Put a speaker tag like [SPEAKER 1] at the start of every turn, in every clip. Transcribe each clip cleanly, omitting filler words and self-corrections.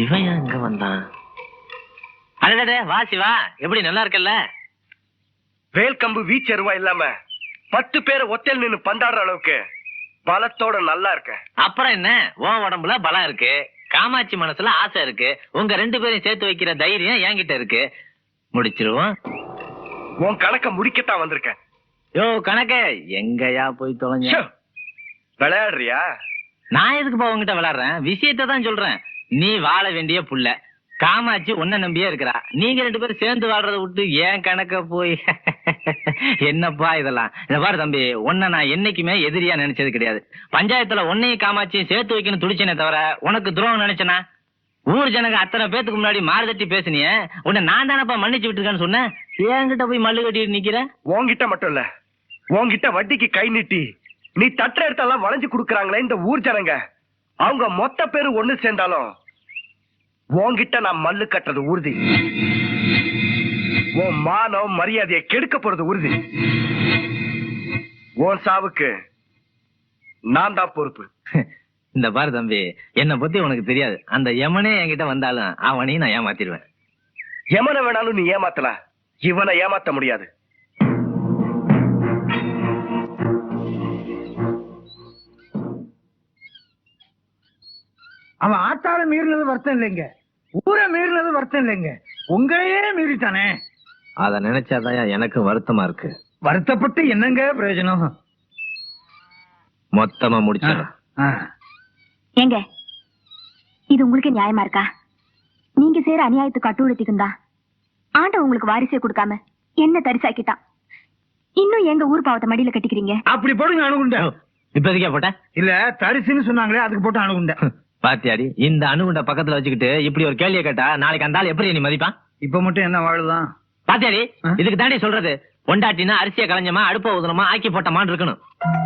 [SPEAKER 1] இவன் எங்க வந்தான்? அடடே வா சிவா, எப்படி நல்லா இருக்கல்ல?
[SPEAKER 2] வேல் கம்பு வீச்சருவா இல்லாம 10 பேரை ஒத்தையில் நின்னு பந்தாடுற அளவுக்கு பலத்தோட நல்லா இருக்க.
[SPEAKER 1] அப்புறம் என்ன, உன் உடம்புல பலம் இருக்கு, காமாட்சி மனசுல ஆசை இருக்கு, உங்க 2 பேரையும் சேர்த்து வைக்கிற தைரியம் என்கிட்ட இருக்கு. முடிச்சிருவோம்.
[SPEAKER 2] உன் கணக்க முடிக்கத்தான் வந்திருக்கேன்.
[SPEAKER 1] யோ கணக்க எங்கயா போய் தொலைஞ்ச?
[SPEAKER 2] விளையாடுறியா?
[SPEAKER 1] நான் எதுக்குப்பா உங்ககிட்ட விளையாடுறேன்? விஷயத்தை தான் சொல்றேன். நீ வாழ வேண்டிய புள்ள, காமாட்சி உன்ன நம்பியே இருக்கிறா. நீங்க 2 பேரும் சேர்ந்து வாழ்றத விட்டு ஏன் கணக்க போய் என்னப்பா இதெல்லாம்? இத பாரு தம்பி, உன்னை நான் என்னைக்குமே எதிரியா நினைச்சது கிடையாது. பஞ்சாயத்துல உன்னையும் காமாட்சியும் சேர்த்து வைக்கணும் துடிச்சனே தவிர உனக்கு துரோகம் நினைச்சனா? ஊர் ஜனங்க அத்தனை பேத்துக்கு முன்னாடி மாறுதட்டி பேசினிய, உன்னை நான் தானப்பா மன்னிச்சு விட்டுருக்கேன்னு சொன்னேன். என்கிட்ட போய் மல்லு கட்டிட்டு நிக்கிற?
[SPEAKER 2] உன்கிட்ட மட்டும் இல்ல, உன்கிட்ட வட்டிக்கு கை நீட்டி நீ தட்டுற இடத்தெல்லாம் வளைஞ்சு கொடுக்கறாங்களே இந்த ஊர் ஜனங்க, அவங்க மொத்த பேரு ஒண்ணு சேர்ந்தாலும் உன்கிட்ட நான் மல்லு கட்டுறது உறுதி. உன் மானம் மரியாதையை கெடுக்க போறது உறுதி. உன் சாவுக்கு நான் தான் பொறுப்பு.
[SPEAKER 1] இந்த பாரு தம்பி, என்னை பத்தி உனக்கு தெரியாது. அந்த யமனே என்கிட்ட வந்தாலும் அவனையும் நான் ஏமாத்திடுவேன்.
[SPEAKER 2] எமனை வேணாலும் நீ ஏமாத்தலாம், இவனை ஏமாத்த முடியாது.
[SPEAKER 3] அவன் ஆத்தால மீறினது வருத்தம் இல்லைங்க, ஊரை மீறினது வருத்தம் இல்லைங்க, உங்களையே மீறிட்டானே.
[SPEAKER 1] அத நினைச்சாதான் எனக்கு வருத்தமா இருக்கு.
[SPEAKER 3] வருத்தப்பட்டு என்னங்க பிரயோஜனம்?
[SPEAKER 1] மொத்தமா முடிச்சிடலாம்.
[SPEAKER 4] ஏங்க, இது உங்களுக்கு நியாயமா இருக்கா? நீங்க செய்யற அநியாயத்துக்கு அட்டுழுத்திக்கும் தான் ஆண்ட உங்களுக்கு வாரிசே கொடுக்காம என்ன தரிசாக்கிட்டான். இன்னும் எங்க ஊர் பாவத்தை மடியில கட்டிக்கிறீங்க.
[SPEAKER 3] அப்படி போடுங்க அணுகுண்ட.
[SPEAKER 1] இப்போதைக்கே போட்ட
[SPEAKER 3] இல்ல தரிசுன்னு சொன்னாங்களே, அதுக்கு போட்டு அணுகுண்ட.
[SPEAKER 1] பாத்தியாடி, இந்த அணுகுண்ட பக்கத்துல வச்சுக்கிட்டு இப்படி ஒரு கேள்வியை கேட்டா நாளைக்கு அந்த ஆள் எப்படி நீ மதிப்பான்?
[SPEAKER 3] இப்ப மட்டும் என்ன வாழுதான்?
[SPEAKER 1] பாத்தியாடி, இதுக்கு தாண்டி சொல்றது, பொண்டாட்டினா அரிசியை களைஞ்சமா அடுப்ப ஊதுனமா ஆக்கி போட்டமான்னு இருக்கணும்.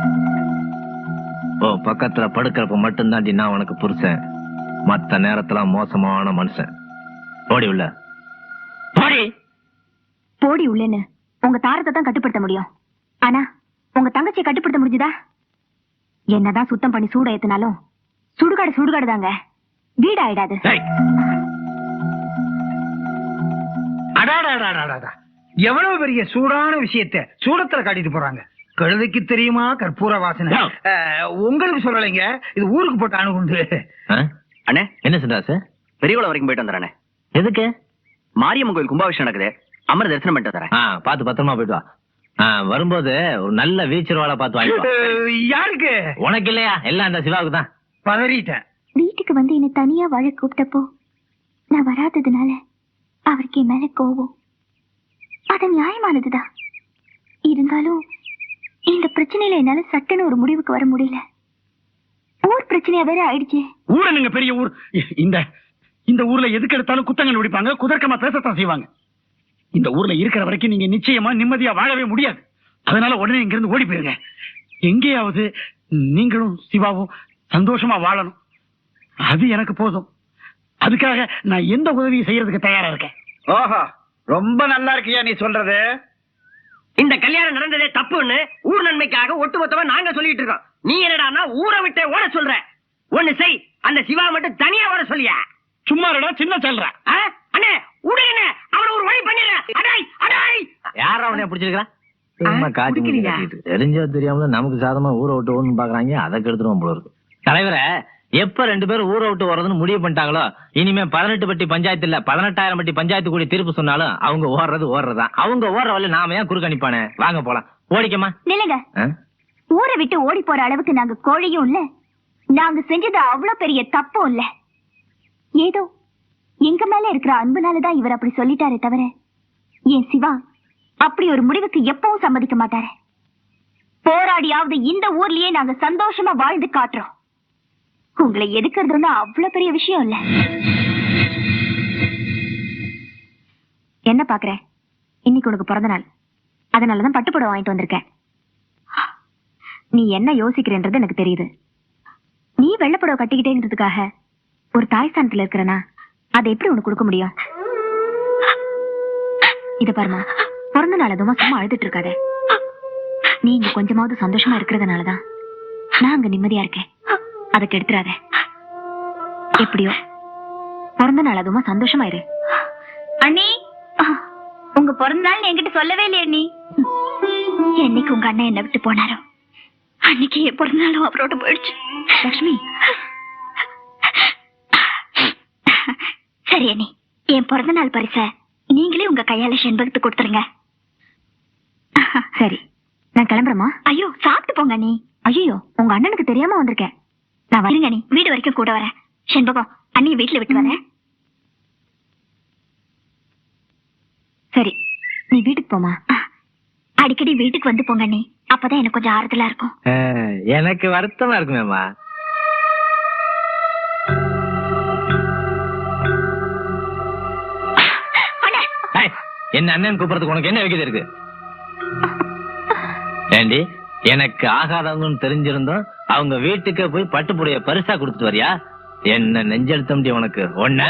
[SPEAKER 1] ஓ பக்கத்துல படுக்கிறப்ப மட்டும் தாண்டி நான் உனக்கு புருஷன், மத்த நேரத்துல மோசமான மனுஷன். போடி உள்ள போடி.
[SPEAKER 4] போடி உள்ளேன்னு உங்க தாரத்தை தான் கட்டுப்படுத்த முடியும். ஆனா உங்க தங்கச்சியை கட்டுப்படுத்த முடிஞ்சுதா? என்னதான் சுத்தம் பண்ணி சூட ஏத்தினாலும் சுடுகாடு தாங்க, வீடு ஆயிடாது.
[SPEAKER 3] எவ்வளவு பெரிய சூடான விஷயத்தை சூடத்துல காட்டிட்டு போறாங்க. கழுதைக்கு தெரியுமா கற்பூர வாசனை? உங்களுக்கு சொல்லலைங்க, இது ஊருக்கு போட்டு அணுகுண்டு.
[SPEAKER 5] அண்ணே
[SPEAKER 1] என்ன சொல்றா சார்?
[SPEAKER 5] பெரியகுளம் வரைக்கும் போயிட்டு வந்துடுறேன்.
[SPEAKER 1] எதுக்கு?
[SPEAKER 5] மாரியம்மன் கோயில் கும்பாபிஷேகம் நடக்குது, அம்மனை தரிசனம் பண்ணிட்டு வந்துடுறேன்.
[SPEAKER 1] பாத்து பத்திரமா போயிட்டு வா. வரும்போது ஒரு நல்ல வீச்சர்வாளை பார்த்து வாங்கிட்டு வா.
[SPEAKER 3] யாருக்கு?
[SPEAKER 1] உனக்கு இல்லையா? எல்லாம் அந்த சிவாவுக்கு தான்.
[SPEAKER 3] பதறிட்டேன்.
[SPEAKER 4] வீட்டுக்கு வந்து என்ன தனியா வாழ கூப்பிட்டப்போ நான் வராததுனால அவருக்கு என் மேல கோபம். அது நியாயமானதுதான். இருந்தாலும் இந்த பிரச்சனையில என்னால சட்டுன்னு ஒரு முடிவுக்கு வர முடியல. ஊர் பிரச்சனையா வேற ஆயிடுச்சு.
[SPEAKER 3] ஊர் என்னங்க பெரிய ஊர்? இந்த ஊர்ல எதுக்கு எடுத்தாலும் குத்தங்கள் நடிப்பாங்க, குதர்க்கமா பேசத்தான் செய்வாங்க. இந்த ஊர்ல இருக்கிற வரைக்கும் நீங்க நிச்சயமா நிம்மதியா வாழவே முடியாது. அதனால உடனே இங்க இருந்து ஓடி போயிருங்க. எங்கேயாவது நீங்களும் சிவாவும் சந்தோஷமா வாழணும், அது எனக்கு போதும். அதுக்காக நான் எந்த உதவியும் செய்யறதுக்கு தயாரா இருக்கேன்.
[SPEAKER 2] ஆஹா, ரொம்ப நல்லா இருக்கியா நீ சொல்றது?
[SPEAKER 5] இந்த கல்யாணம் நடந்ததே தப்புன்னு ஊர் நன்மைக்காக ஒட்டுமொத்தமா நாங்க சொல்லிட்டு இருக்கோம். நீ என்னடா ஊரை விட்டு ஓட சொல்ற? ஒண்ணு செய், அந்த சிவா மட்டும் தனியா ஓட சொல்லியா?
[SPEAKER 3] சும்மா சின்ன சொல்ற.
[SPEAKER 5] அண்ணே உடனே அவனை ஒரு வழி பண்ணிடுறேன்.
[SPEAKER 1] யார அவனைய பிடிச்சிருக்கான்? தெரிஞ்சோ தெரியாமல நமக்கு சாதமா ஊரை விட்டு ஓடணும்னு பாக்குறாங்க, அதை கெடுத்துருவோம் போல இருக்கு. தலைவரை எப்ப 2 பேரும் ஊரை விட்டு வர்றதுன்னு முடிவு பண்ணிட்டாங்களோ, இனிமே 18 பட்டி பஞ்சாயத்து இல்ல 18,000 பட்டி பஞ்சாயத்து கூடி தீர்ப்பு சொன்னாலும் அவங்க ஓடுறதுதான். அவங்க ஓடுற வழி நாம ஏன் குறுக்க அனுப்பானே? வாங்க போலாம். ஓடிக்கமா
[SPEAKER 4] நில்லுங்க. ஊரை விட்டு ஓடி போற அளவுக்கு நாங்க கோழியும் இல்ல, நாங்க செஞ்சது அவ்வளவு பெரிய தப்பும் இல்ல. ஏதோ எங்க மேல இருக்கிற அன்புனாலதான் இவர் அப்படி சொல்லிட்டாரே தவிர என் சிவா அப்படி ஒரு முடிவுக்கு எப்பவும் சம்மதிக்க மாட்டாரு. போராடியாவது இந்த ஊர்லயே நாங்க சந்தோஷமா வாழ்ந்து காட்டுறோம். உங்களை எதுக்குறதுன்னா அவ்வளவு பெரிய விஷயம் இல்ல. என்ன பாக்குற? இன்னைக்கு உனக்கு பிறந்த நாள், அதனாலதான் பட்டுப்புடவை வாங்கிட்டு வந்திருக்கேன். நீ என்ன யோசிக்கிறேன்றது எனக்கு தெரியுது. நீ வெள்ளப்புடவை கட்டிக்கிட்டேங்கிறதுக்காக ஒரு தாய் ஸ்தானத்துல இருக்கிறனா, அதை எப்படி உனக்கு கொடுக்க முடியும்? இத பாருமா, பிறந்த நாள் அதுமா சும்மா அழுதுட்டு இருக்காத. நீ இங்க கொஞ்சமாவது சந்தோஷமா இருக்கிறதுனாலதான் நான் அங்க நிம்மதியா இருக்கேன். அதை கெடுத்துறாத. எப்படியோ பிறந்த நாள் அதுமா சந்தோஷமாயிரு. அண்ணி, உங்க பிறந்த நாள் என்கிட்ட சொல்லவே இல்லையே அண்ணி. என்னைக்கு உங்க அண்ணன் என்ன விட்டு போனாரோ அன்னைக்கு என் பிறந்த நாளும் அவரோட போயிடுச்சு. லட்சுமி, சரி அண்ணி, என் பிறந்த நாள் பரிச நீங்களே உங்க கையால செண்பகத்துக்கு கொடுத்துருங்க. சரி, நான் கிளம்புறேமா? ஐயோ, சாப்பிட்டு போங்க அண்ணி. ஐயோ, உங்க அண்ணனுக்கு தெரியாம வந்திருக்கேன். நான் வரேங்க அண்ணி, வீடு வரைக்கும் கூட வரேன். செண்பகம், அண்ணிய வீட்டுல விட்டு வரேன். சரி, நீ வீட்டுக்கு போமா. அடிக்கடி வீட்டுக்கு வந்து போங்க அண்ணி, அப்பதான் எனக்கு கொஞ்சம் ஆறுதலா இருக்கும்.
[SPEAKER 1] எனக்கு வருத்தமா இருக்குமேம்மா. என்ன அண்ணன் கூப்பிடுறதுக்கு உனக்கு என்ன வைக்கிறது இருக்கு? ஏண்டி, எனக்கு ஆகாதவங்கன்னு தெரிஞ்சிருந்தோம் அவங்க வீட்டுக்கு போய் பட்டுப்புடைய பரிசா கொடுத்துட்டு வரியா? என்ன நெஞ்செழுத்த முடியும் உனக்கு? ஒண்ணு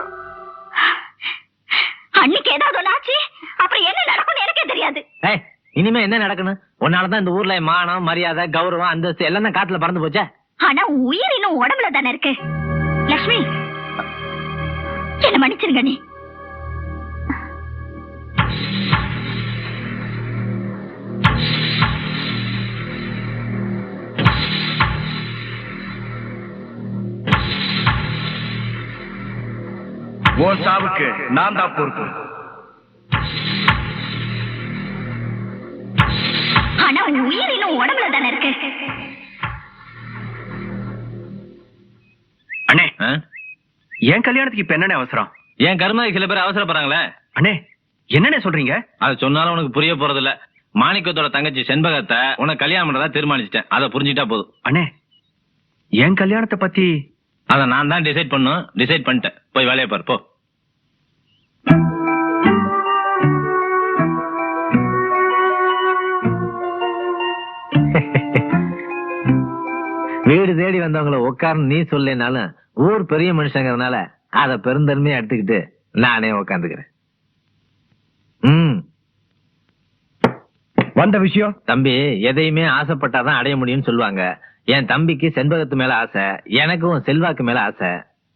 [SPEAKER 4] அன்னைக்கு ஏதாவது ஆச்சு, அப்புறம் என்ன நடக்கும்னு எனக்கே தெரியாது.
[SPEAKER 1] இனிமே என்ன நடக்கணும்? உன்னாலதான் இந்த ஊர்ல மானம், மரியாதை, கௌரவம், அந்தஸ்து எல்லாம் தான் காத்துல பறந்து போச்சா?
[SPEAKER 4] ஆனா உயிர் இன்னும் உடம்புல தானே இருக்கு. லட்சுமி, என்ன மன்னிச்சிருங்க நீ.
[SPEAKER 2] உன் சாவுக்கு நான் தான் பொறுப்பு.
[SPEAKER 4] ஆனா உயிர் இன்னும் உடம்புல தானே இருக்கு.
[SPEAKER 2] அண்ணே, என் கல்யாணத்துக்கு இப்ப என்னென்ன அவசரம்?
[SPEAKER 1] என் கருமாதி சில பேர் அவசரப்படுறாங்களே.
[SPEAKER 2] அண்ணே, என்னென்ன சொல்றீங்க?
[SPEAKER 1] அது சொன்னாலும் உனக்கு புரிய போறது இல்ல. மாணிக்கத்தோட தங்கச்சி செண்பகத்தை உனக்கு கல்யாணம் பண்றதா தீர்மானிச்சிட்டேன். அதை புரிஞ்சுட்டா போதும்.
[SPEAKER 2] அண்ணே, என் கல்யாணத்தை பத்தி
[SPEAKER 1] அத நான் தான் டிசைட் பண்ணும். டிசைட் பண்ணிட்டேன். போய் வேலையை பாரு, போ. வீடு தேடி வந்தவங்கள உட்கார்ந்து நீ சொல்லினாலும் ஊர் பெரிய மனுஷங்கிறதுனால அத பெருந்தன்மையா எடுத்துக்கிட்டு நானே உட்காந்துக்கிறேன்.
[SPEAKER 2] வந்த விஷயம்?
[SPEAKER 1] தம்பி, எதையுமே ஆசைப்பட்டாதான் அடைய முடியும்னு சொல்லுவாங்க. என் தம்பிக்கு செண்பகத்து மேல ஆசை, எனக்கும் செல்வாக்கு மேல ஆசை.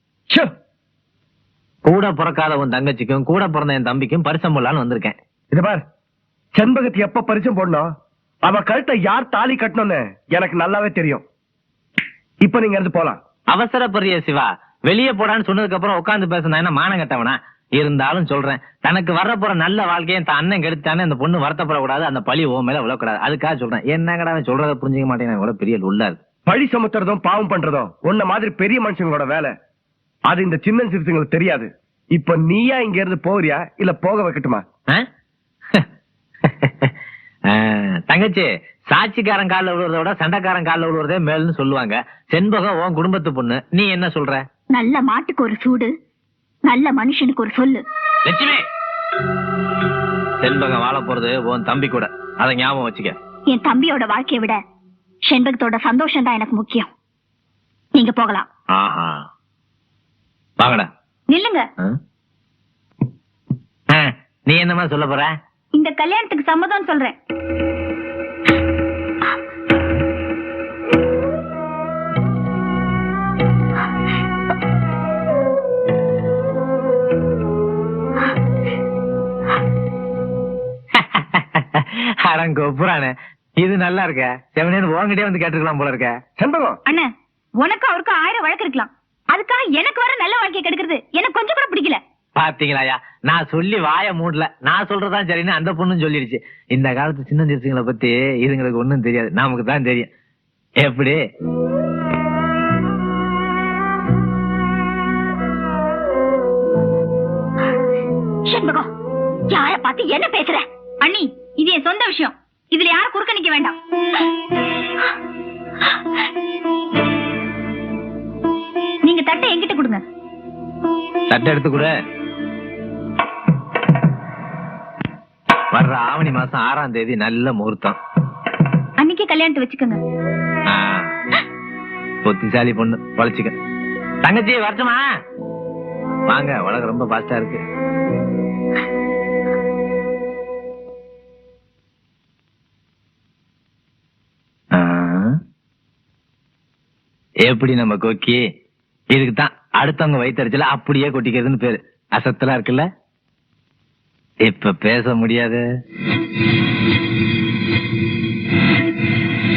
[SPEAKER 1] கூட பிறக்காத உன் தங்கச்சிக்கும் கூட பிறந்த என் தம்பிக்கும் பரிசம் போடலான்னு வந்திருக்கேன்.
[SPEAKER 2] இது பார், செண்பகத்து எப்ப பரிசம் போடணும், அவ கழுத்தை யார் தாலி கட்டணும்னு எனக்கு நல்லாவே தெரியும். இப்ப நீங்க இருந்து போலாம்.
[SPEAKER 1] அவசரப்படுறிய சிவா, வெளியே போடான்னு சொன்னதுக்கு அப்புறம் உட்கார்ந்து பேசினா என்ன மானம் கட்டவனா? இருந்தாலும் சொல்றேன், தனக்கு வர போற நல்ல வாழ்க்கையை தன் அண்ணன் கெடுத்தானே அந்த பொண்ணு வருத்தப்படக்கூடாது, அந்த பழி ஓ மேல விழக்கூடாது. அதுக்காக சொல்றேன். என்னங்கடா சொல்றத புரிஞ்சுக்க மாட்டேன். கூட பெரிய உள்ளாது.
[SPEAKER 2] பழி சுமத்துறதும் பாவம் பண்றதும் உன்ன மாதிரி பெரிய மனுஷங்களோட வேலை. அது இந்த சின்ன சிறுத்தைங்களுக்கு தெரியாது. இப்ப நீயா இங்க இருந்து போறியா இல்ல போக வைக்கட்டுமா?
[SPEAKER 1] தங்கச்சி, சாட்சிக்காரன் கால விழுறத விட சண்டைக்காரன் கால விழுறதே மேல்னு சொல்லுவாங்க. செண்பகம் உன் குடும்பத்து பொண்ணு, நீ என்ன சொல்ற?
[SPEAKER 4] நல்ல மாட்டுக்கு ஒரு சூடு, நல்ல மனுஷனுக்கு ஒரு சொல்லு.
[SPEAKER 1] லட்சுமி, செண்பகம் வாழ போறது உன் தம்பி கூட, அதை ஞாபகம் வச்சுக்க.
[SPEAKER 4] என் தம்பியோட வாழ்க்கையை விட செண்பகத்தோட சந்தோஷம் தான் எனக்கு முக்கியம். நீங்க போகலாம்.
[SPEAKER 1] ஆஹா, வாங்கடா.
[SPEAKER 4] நில்லுங்க.
[SPEAKER 1] நீ என்னமா சொல்ல போற?
[SPEAKER 4] இந்த கல்யாணத்துக்கு சம்மதம் சொல்றேன்.
[SPEAKER 1] அரங்கோப்புறானே, இது நல்லா இருக்க. செவனேன்னு உங்ககிட்டே வந்து கேட்டுக்கலாம் போல இருக்க.
[SPEAKER 2] செண்பகம்,
[SPEAKER 4] அண்ணா, உனக்கு அவருக்கு 1000 வழக்கு இருக்கலாம். அதுக்காக எனக்கு வர நல்ல வாழ்க்கையை கெடுக்கிறது எனக்கு கொஞ்சம் கூட பிடிக்கல.
[SPEAKER 1] பாத்தீங்களாயா, நான் சொல்லி வாய மூடல. நான் சொல்றதான் சரின்னு அந்த பொண்ணும் சொல்லிடுச்சு. இந்த காலத்து சின்ன சிறுசுங்களை பத்தி இதுங்களுக்கு ஒண்ணும் தெரியாது, நமக்கு தான் தெரியும். எப்படி?
[SPEAKER 4] செண்பகம், யார பார்த்து என்ன பேசுற? அண்ணி, இது என் சொந்த விஷயம். இதுல யாரும் குறுக்க நிக்க வேண்டாம். நீங்க தட்டை என்கிட்ட கொடுங்க.
[SPEAKER 1] தட்டை எடுத்து கூட. வர்ற ஆவணி மாசம் 6ஆம் தேதி நல்ல முகூர்த்தம்.
[SPEAKER 4] அன்னைக்கு கல்யாணத்தை வச்சுக்கோங்க.
[SPEAKER 1] பொத்திசாலி பொண்ணு, பழச்சிக்க. தங்கச்சி வரட்டுமா? வாங்க, உலகம் ரொம்ப பாஸ்டா இருக்கு. எப்படி நம்ம கோக்கி? இதுக்குதான் அடுத்தவங்க வயிற்றுல அப்படியே கொட்டிக்கிறதுன்னு பேரு. அசத்தலா இருக்குல்ல? இப்ப பேச முடியாது.